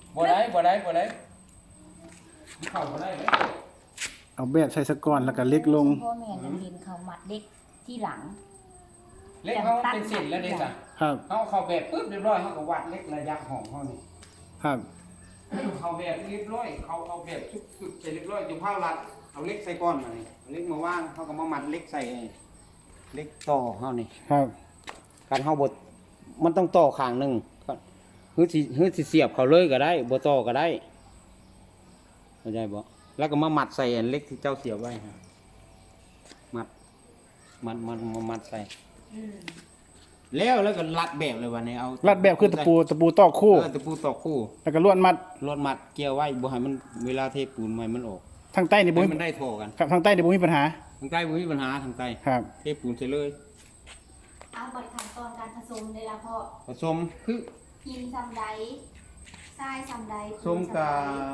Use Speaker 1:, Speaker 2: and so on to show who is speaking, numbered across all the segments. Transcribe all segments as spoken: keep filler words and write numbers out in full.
Speaker 1: บ่ได้บ่ได้บ่ได้เข้าบ่ได้เลย
Speaker 2: เอาแบบใส่สะก่อนแล้วก็เล็กลง
Speaker 3: พ่อแม่ยังเห็นเขามัดเด็กที่หลัง
Speaker 1: เล็กเขาเป็นเส้นแล้วเด้จ้ะ
Speaker 2: ครับ
Speaker 1: เขาเข้าแบบปึ๊บเรียบร้อยเขาก็วัดเล็กระยะของเขานี่
Speaker 2: ครับ
Speaker 1: เขาแบบเรียบร้อยเขาเอาแบบสุดๆใส่เรียบร้อยจะเผารัดเอาเล็กใส่ก้อนมานี่เล็กมาว่างเขาก็มามัดเล็กใส่เล็กต่อเขานี่
Speaker 2: ครับ
Speaker 1: การเขาบดมันต้องต่อข้างหนึ่งฮื้อสิฮื้อสิเสียบเขาเลยก็ได้บ่ต่อก็ได้เข้าใจบ่แล้วก็มามัดใส่อันเล็กที่เจ้าเสียบไว้ฮะมัดมัดมัดมามัดใส่แล้วแล้วก็รัดแบบเลยวันนี้เอา
Speaker 2: รัดแบบคือตะปูตะปูตอกคู่
Speaker 1: ตะปูตอกคู่
Speaker 2: แล้วก็ลวดมัด
Speaker 1: ลวดมัดเกี่ยวไว้บ่ให้มันเวลาเทปูนใหม่มันออก
Speaker 2: ทางใต้นี่บ่
Speaker 1: มันได้โทกัน
Speaker 2: ครับทางใต้นี่บ่มีปัญหา
Speaker 1: ทางใต้บ่มีปัญหาทางใต้
Speaker 2: ครับ
Speaker 1: เทปูนใส่เลย
Speaker 3: เอาบัดขั้นตอนการผสมได้ละพ่อ
Speaker 1: ผสมคือ
Speaker 3: หินซ้ำใดทรายซ้ำใด
Speaker 1: ผสมกับ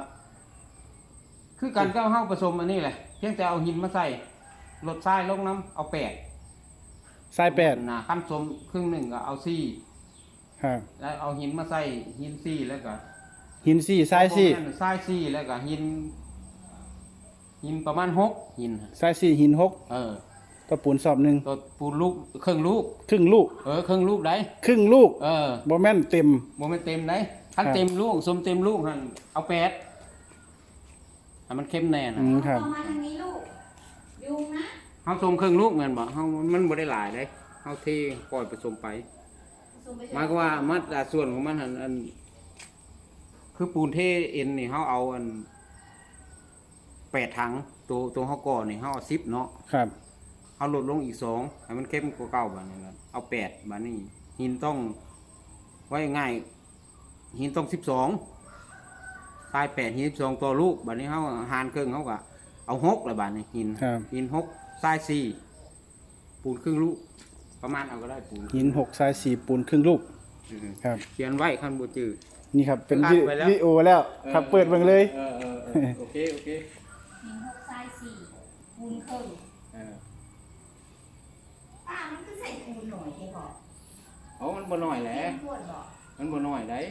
Speaker 1: คือการเจ้าเฮาผสมอันนี้แหละเพียงแต่เอาหินมาใส่ลดทรายลงน้ำเอาแปด
Speaker 2: ทรายแปด
Speaker 1: นะขั้นผสมครึ่งหนึ่งก็เอาสี่
Speaker 2: ครับ
Speaker 1: แล้วเอาหินมาใส่หินสี่แล้วก็
Speaker 2: หินสี่ทรายสี่
Speaker 1: ทรายสี่แล้วก็หินหินประมาณหกหิน
Speaker 2: ทรายสี่หินหก
Speaker 1: เออ
Speaker 2: ตัวปูนสอบหนึ่ง
Speaker 1: ตัวปูนลูกครึ่งลูก
Speaker 2: ครึ่งลูก
Speaker 1: เออครึ่งลูกได้
Speaker 2: ครึ่งลูก
Speaker 1: เออ
Speaker 2: โมแม่นเต็ม
Speaker 1: โมแม่นเต็มได้ขั้นเต็มลูกสมเต็มลูกหันเอาแปดให้มันเข้มแน่นะ
Speaker 3: เอามาทางนี้ลูกยุงนะ
Speaker 1: เฮาสมครึ่งลูกแม่นบ่เฮามันบ่ได้หลายได้เฮาเทปล่อยผสมไปหมายความว่ามัดส่วนของมันหันอันคือปูนเทเอ็นนี่เฮาเอาอันแปดถังตัวตัวเฮาก่อนี่เฮาเอาสิบเนาะ
Speaker 2: ครับ
Speaker 1: เอาลดลงอีกสองให้มันเข้มกว่าเก่าบัดนี้เอาแปดบัดนี้หินต้องไว้ง่ายหินต้องสิบสองทรายแปดหินสิบสองตัวลูกบัดนี้เฮาหารครึ่งเฮาก็เอาหกละบัดนี้หินหินหกทรายสี่ปูนครึ่งลูกประมาณเอาก็ได้ปูน
Speaker 2: หินหกทรายสี่ปูนครึ่งลูกครับ
Speaker 1: เขียนไว้ขั้นบ่จื้อ
Speaker 2: นี่ครับเป็นวิดีโอแล้วครับเปิดเบิ่งเลย
Speaker 1: เออๆโอเคโอเค
Speaker 3: หินหกทรายสี่ปูนครึ่งเออป้ามันก็ใส่ปูนหน่อยแค่บอก
Speaker 1: อ๋อมันบ่น้อยแหละมันบ่น้อยได้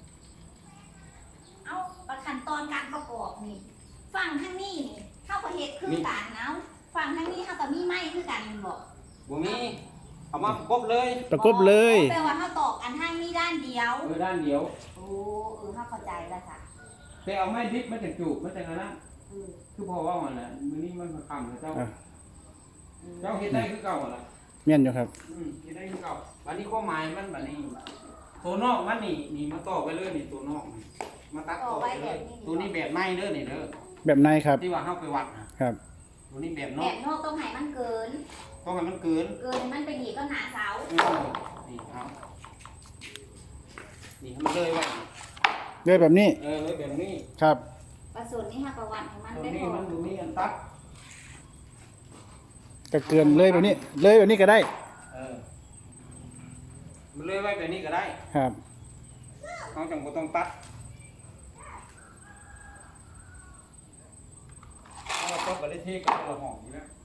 Speaker 3: เอาขั้นตอนการประกอบนี่ฝั่งทางนี้นี่เฮาก็เฮ็ดคือกันเอาฝั่งทางนี้เฮาก็มีไม้คือกันบ่
Speaker 1: บ่มีเอามาประกบเลย
Speaker 2: ประกบเลย
Speaker 3: แปลว่าเฮาตอกอันทางนี้ด้านเดียว
Speaker 1: เออด้านเดียว
Speaker 3: โอ้เออเฮาเข้าใจแล้วค่ะ
Speaker 1: แต่เอาไม้ดิบมาจากจูบมาจากนั้นเออคือพอว่ามันน่ะมื้อนี้มันค่ำแล้วเจ้าเจ้าเฮ็ดได้คือเก่าล่ะ
Speaker 2: แม่นอยู่ครับ
Speaker 1: อืมเฮ็ดได้คือเก่าบัดนี้ความหมายมันบัดนี้ตัวนอกมันนี่นี่มาต่อไปเลยนี่ตัวนอกมาตัดต่อไปเลยตัวนี้แบบในเด้อนี่เด้อ
Speaker 2: แบบในครับ
Speaker 1: ที่ว่าเฮาไปวัด
Speaker 2: ครับ
Speaker 1: ตัวนี้แบบนอก
Speaker 3: แบบนอกต้องให้มันเกิน
Speaker 1: ต้องให้มันเกิน
Speaker 3: เกินมันไปหนีก็หนาเสา
Speaker 1: นี่เอานี่มันเลยว่า
Speaker 2: เลยแบบนี้
Speaker 1: เออเลยแบบนี้
Speaker 2: ครับ
Speaker 3: ประสูตรนี้ฮะประวัติของมันได้
Speaker 1: พอมันดูนี่อันตัด
Speaker 2: ก็เกินเลยแบบนี้เลยแบบนี้ก็ได้
Speaker 1: เออมันเลยไว้แบบนี้ก็ได้
Speaker 2: ครับ
Speaker 1: เขาจังบ่ต้องตัดเราก็บ่ได้เทกับเราหอมอยู่แล้ว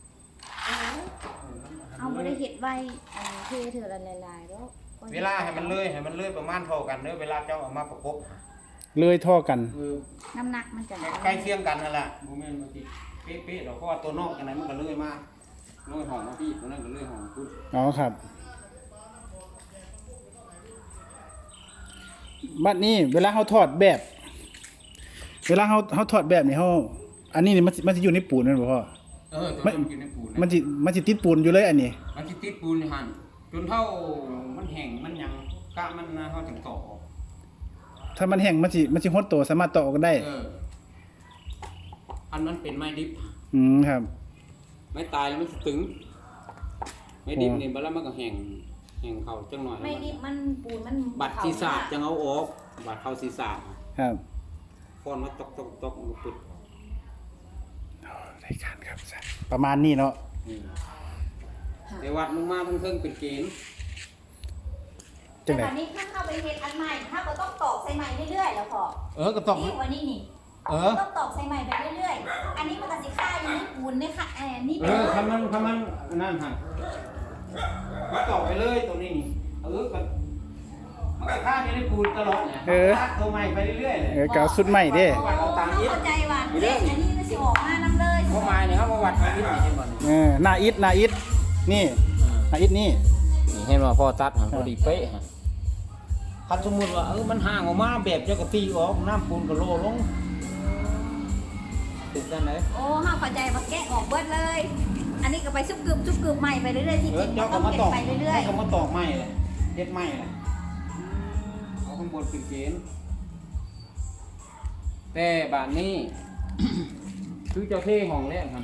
Speaker 3: เอาบ่ได้เฮ็ดไว้อันเทเถื่อละลายๆแล้ว
Speaker 1: เวลาให้มันเลยให้มันเลยประมาณเท่ากันเด้อเวลาเจ้าเอามาประกบ
Speaker 2: เลยเท่ากัน
Speaker 3: น้ำหนักมันจะ
Speaker 1: ใกล้เคียงกันนั่นแหละบ่แม่นว่าสิเป๊ะๆดอกเพราะว่าตัวนอกจังได๋มันก็เลยมาเลยหอมมาพี่ตัวนั้นก็เลยหอมพุด
Speaker 2: อ๋อครับบัดนี้เวลาเฮาทอดแบบเวลาเฮาเฮาทอดแบบนี่เฮาอันนี้นี่มันมันสิอยู่ในปูนแม่นบ่พ่อ
Speaker 1: เออมันอยู่ในปูน
Speaker 2: มันสิมันสิติดปูนอยู่เลยอันนี้
Speaker 1: มันสิติดปูนหั่นจนเท่ามันแห้งมันหยังกะมันเฮาถึงตอกออก
Speaker 2: ถ้ามันแห้งมันสิมันสิฮดโตสามารถตอกออกได้
Speaker 1: เอออันนั้นเป็นไม้ดิบ
Speaker 2: อืมครับ
Speaker 1: ไม้ตายแล้วมันสิตึงไม้ดิบนี่บัดแล้วมันก็แห้งแห้งเข้าจังหน่อย
Speaker 3: ไม้ดิบมันปูนมัน
Speaker 1: บัดศีรษะจังเอาออกบัดเข้าศีรษะ
Speaker 2: ครับ
Speaker 1: ฟ้อนมาตอกๆๆมันปิด
Speaker 2: รายการครับประมาณนี้เนาะ
Speaker 1: ในวัดลงมาทั้งเทิงเป็นเกณฑ์
Speaker 3: แต่วันนี้ถ้าเข้าไปเฮ็ดอันใหม่ถ้าก็ต้องตอกใส่ใหม่เรื่อยๆแล้วพอ
Speaker 1: เออก็ตอก
Speaker 3: นี่วันนี้นี่เออต้องตอกใส่ใหม่ไปเรื่อยๆอันนี้มันก็สิค่าอยู่ในปูนเนี่ยค่ะอันนี้
Speaker 1: เออทำมันทำมันนั่นฮะมาตอกไปเลยตัวนี้นี่เออก็มันก็ค่าอยู่ในปูนตลอดเนี่ย
Speaker 2: เออ
Speaker 1: ตัดตัวใหม่ไปเรื่อยๆเลย
Speaker 2: เออกาวสุดใหม่เด้
Speaker 3: โอ้เขาเข้าใจว่าเด็กอันนี้ก็สิออกมานํเลย
Speaker 1: เพราะไม้เนี่ยเขามาวัดอายุนี่เห็นบ่นี่
Speaker 2: เออหน้าอิดหน้าอิดนี่หน้าอิดนี่
Speaker 1: นี่เห็นว่าพอตัดหันพอดีเป๊ะฮะคันสมมุติว่าเออมันห่างออกมาแบบเจ้ากะตีออกน้ำปูนก็โลลงติดกันไหน
Speaker 3: โอ้เขาเข้าใจว่าแกะออกเบิดเลย อันนี้ก็ไปซุบกึบซุบกึบใหม่ไปเรื่อยๆที่
Speaker 1: เอ
Speaker 3: จ
Speaker 1: อ
Speaker 3: ริง
Speaker 1: เจ้า
Speaker 3: ต้
Speaker 1: ก็
Speaker 3: อง
Speaker 1: มา
Speaker 3: เก็
Speaker 1: ต
Speaker 3: บอก
Speaker 1: ไป
Speaker 3: ไปเรื่อย
Speaker 1: เจ้าก็มาตอกไม้เลยเฮ็ดไม้เลยเอาข้างบนเป็นเกณฑ์แต่บานนี้ คือเจ้าเท่ห้องแรกครับ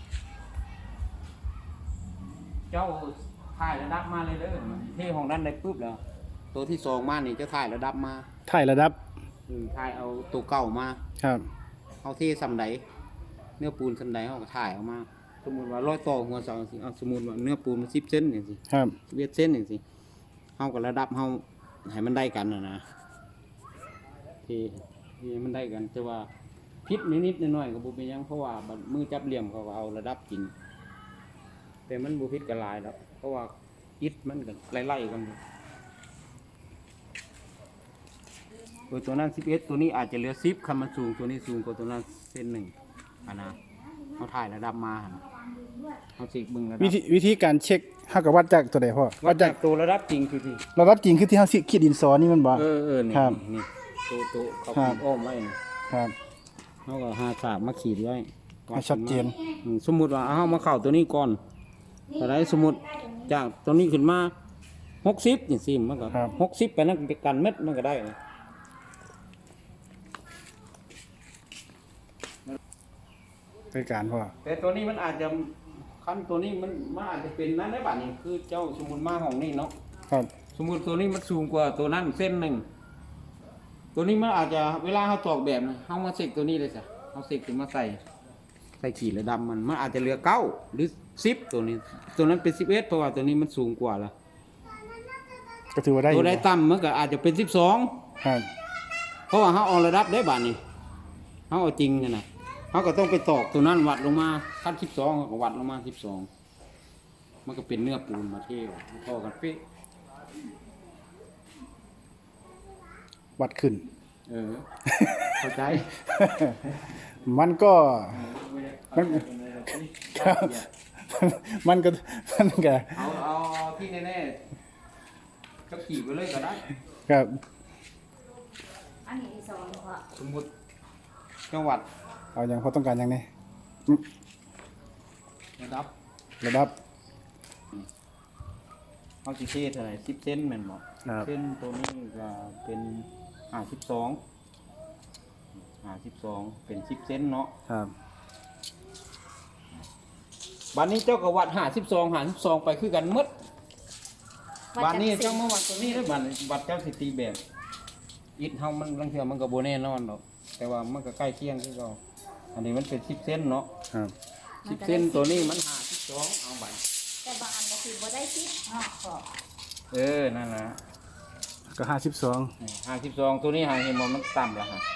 Speaker 1: เจ้าถ่ายระดับมาเลยเด้อเท่ห้องนั้นได้ปุ๊บแล้ว ตัวที่สองมานี่เจ้าถ่ายระดับมา
Speaker 2: ถ่ายระดับ
Speaker 1: อืมถ่ายเอาตัวเก่ามา
Speaker 2: ครับ
Speaker 1: เอาเท่สำไดเนื้อปูนสำไดเขาก็ถ่ายออกมา สมมุติว่าร้อยต่อหัวเสาสิเอาสมมุติว่าเนื้อปูนมันสิบเซนอย่างสิ
Speaker 2: ครับ
Speaker 1: สิบเอ็ดเส้นอย่างสิเฮากับระดับเฮาให้มันได้กันนะนะที่ที่มันได้กันแต่ว่าพิษนิดๆหน่อยๆก็บ่เป็นหยังเพราะว่าบัดมือจับเหลี่ยมเขาก็เอาระดับจริงแต่มันบ่พิษกันหลายดอกเพราะว่าอิฐมันก็ไล่ๆกันอยู่ตัวตัวนั้นสิบเอ็ดตัวนี้อาจจะเหลือสิบคันมันสูงตัวนี้สูงกว่าตัวนั้นเส้นหนึ่งอันนะเขาถ่ายระดับมาหั่นเขาสิเบิ่งระดั
Speaker 2: วิ
Speaker 1: บ
Speaker 2: ธีวิธีการเช็คเฮาก็วัดจากตัวใดพ่อ
Speaker 1: วัดจากตัวระดับจริงคือที่
Speaker 2: ระดับจริงคือที่เฮาสิขีดดินสอนี่มันบ่
Speaker 1: เออเออนี่
Speaker 2: ครับ
Speaker 1: นี่ตัวตัวเขา
Speaker 2: ครั
Speaker 1: ขี
Speaker 2: บ
Speaker 1: ดอ้อมไว้นี่
Speaker 2: ครับ
Speaker 1: เขาก็หาฉากมาขีดไว้
Speaker 2: ให้ชัดเจน
Speaker 1: อืมสมมุติว่าเอามาเข้าตัวนี้ก่อนแต่ได้สมมุติจากตัวนี้ขึ้นมาหกสิบอย่างสิมันก็
Speaker 2: ครับ
Speaker 1: หกสิบไปนั่นไปกันเม็ดมันก็ได้นะ
Speaker 2: รายการพ่อ
Speaker 1: แต่ตัวนี้มันอาจจะขั้นตัวนี้มันมันอาจจะเป็นนั่นได้บ้านี่คือเจ้าสมมุติมาของนี่เนาะ
Speaker 2: ครับ
Speaker 1: สมมุติตัวนี้มันสูงกว่าตัวนั้นเส้นหนึ่งตัวนี้มันอาจจะเวลาเขาตอกแบบนะเขามาเสกตัวนี้เลยจ้ะเขาเสกขึ้นมาใส่ ใส่ขีดระดำมันมันอาจจะเหลือเก้าหรือสิบตัวนี้ ตัวนั้นเป็นสิบเอ็ดเพราะว่าตัวนี้มันสูงกว่าละ
Speaker 2: ก็ถือว่าได้อ
Speaker 1: ตัว
Speaker 2: ยู่
Speaker 1: ใดต่ำมันก็อาจจะเป็นสิบสอง
Speaker 2: ครับ
Speaker 1: เพราะว่าเขาเอาระดับได้บาทนี่เขาเอาจริงเนี่ยนะเขาก็ต้องไปตอกตัวนั้นวัดลงมาขั้นสิบสองก็วัดลงมาสิบสองมันก็เป็นเนื้อปูนมาเที่ยวพอกันเป๊ะ
Speaker 2: วัดขึ้น
Speaker 1: เออเข้าใจ
Speaker 2: มันก็มันครับมันก็มันก็
Speaker 1: เอาเอาที่แน่ๆก็ขี่ไปเลยก็ได้
Speaker 2: ครับ
Speaker 3: อันนี้ที่สองพ่อ
Speaker 1: สมมติจังหวัด
Speaker 2: เอาอย่างพอต้องการอย่างนี้
Speaker 1: ระดับ
Speaker 2: ระดับ
Speaker 1: เขาสิเทเท่าไหร่สิบเซนแม่นบ่
Speaker 2: ครับ
Speaker 1: เส้นตัวนี้ก็เป็นห้าสิบสองห้าสิบสองเป็นสิบเซนเนาะ
Speaker 2: ครับ
Speaker 1: บัดนี้เจ้าก็วัดห้าสิบสองห้าสิบสองไปคือกันหมดบัดนี้เจ้ามาวัดตัวนี้แล้วบัดบัดเจ้าสิตีแบบอิฐเฮามันลังเทื่อมันก็บ่แน่นอนดอกแต่ว่ามันก็ใกล้เคียงคือเก่าอันนี้มันเป็นสิบเซนเนาะ
Speaker 2: ครับ
Speaker 1: สิบเซนตัวนี้มันห้าสิบสองเอาบัด
Speaker 3: แต่บางอันก็คือบ่ได้คิดเนาะพ่อ
Speaker 1: เออนั่นนะ
Speaker 2: ก็ห้าสิบสอง
Speaker 1: ห้าสิบสองตัวนี้หาเห็นบ่มันต่ำละฮะ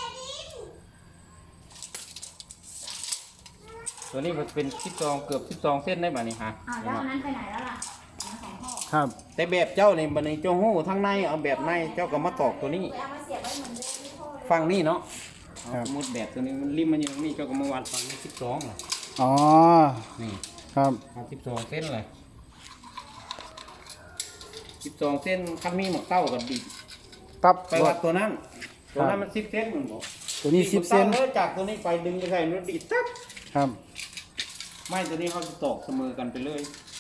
Speaker 1: ตัวนี้มันเป็นสิบสองเกือบสิบสองเส้นได้บ่นี่ฮะ
Speaker 3: อ้าวแล้วอันนั้นไปไหนแล้วล่ะอันนั้นของพ่อ
Speaker 2: ครับ
Speaker 1: แต่แบบเจ้านี่บัดนี้เจ้าฮู้ทั้งในเอาแบบในเจ้าก็มาตอกตัวนี้
Speaker 3: ไปเอามาเสียบไว้เหมือนเดิมที่พ่อเลย
Speaker 1: ฝั่งนี้เนาะเอาสมมุติแบบตัวนี้มันริมมันอยู่ตรงนี้เจ้าก็มาวัดฝั่งนี้สิบสองล่ะ
Speaker 2: อ๋อ
Speaker 1: นี่
Speaker 2: ครับ
Speaker 1: เอาสิบสองเส้นเลยสิบสองเส้นคันมีหมกเต้ากับดี
Speaker 2: ตับ
Speaker 1: ไปวัดตัวนั้น ตัวนั้นมันสิบเส้นมันบอก
Speaker 2: ตัวนี้สิบเซน
Speaker 1: ดีหมกต้าเลยจากตัวนี้ไปดึงไปใส่นู้นดีดตับ
Speaker 2: ครับ
Speaker 1: ไม่ตัวนี้เขาจะตอกเสมอกันไปเลย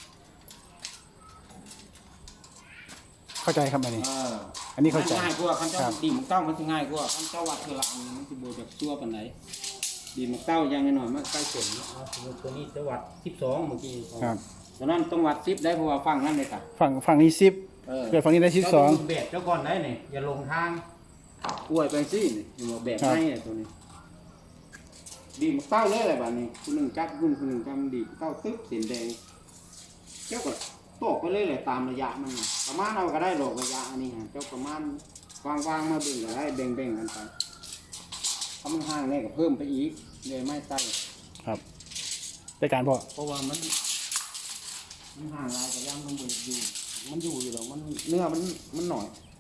Speaker 2: เข้าใจครับอันนี้
Speaker 1: เออ
Speaker 2: อันนี้เข้าใจ
Speaker 1: ง่ายกว่าคันเจ้า
Speaker 2: ครับ
Speaker 1: ดีหมกเต้ามันจะง่ายกว่าคันเจ้าวัดเทอละอันมันจะโบจากตัวปันไหนดีหมกเต้าอย่างหน่อยมันใกล้เสร็จเนาะเอาสมมุติตัวนี้จะวัดสิบสองเมื่อกี้
Speaker 2: ครับ
Speaker 1: ตัวนั้นต้องวัดสิบได้เพราะว่าฟังนั่นเลยค่ะ
Speaker 2: ฝั่งฝั่งนี้สิบ
Speaker 1: เออ
Speaker 2: เกิดฝั่งนี้ได้สิบสอง
Speaker 1: เจ้าดูแบบเจ้าก่อนได้เนี่ยอย่าลงทางอวยไปสิเนี่ยอย่าบอกแบบ
Speaker 2: ครับ
Speaker 1: ให้เนี่ยตัวนี้ ดีหมกเต้าเลยอะไรแบบนี้คุณหนึ่งจับคุณคุณหนึ่งจำดีเต้าตึ๊บสีแดงเจ้าก็ตอกไปเลยเลยตามระยะมันน่ะประมาณเราก็ได้ดอกระยะอันนี้ฮะเจ้าประมาณวางวางๆมาเบิ่งก็ได้แบ่งแบ่งๆกันไปถ้ามันห่างเนี่ยก็เพิ่มไปอีกเลยไม่ใส่
Speaker 2: ครับรายการพ่อ
Speaker 1: เพราะว่ามันมันห่างลายกับย่างมันอยู่อยู่มันอยู่อยู่หรอกมันเนื้อมันมันหน่อย